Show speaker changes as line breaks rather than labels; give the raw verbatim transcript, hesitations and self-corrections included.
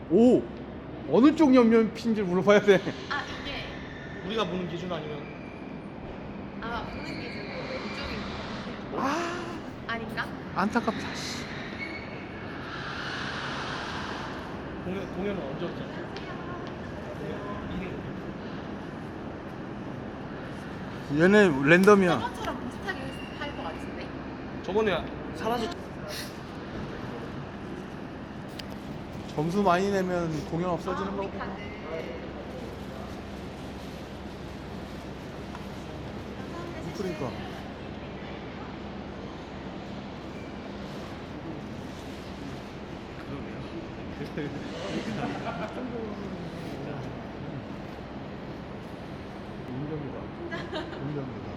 오! 어느 쪽 옆면핀지 물어봐야 돼.
아 이게
우리가 보는 기준 아니면
아마 보는 기준으로 왼쪽인 것 같아요.
아,
아닌가?
안타깝다. 씨.
공연 공연은 언제부터?
얘네 랜덤이야.
저번처럼 비슷하게 할 것 같은데?
저번에 사라졌.
점수 많이 내면 공연 없어지는
아, 우리
거고.
카드.
그러니까. 인정이다. 인정이다.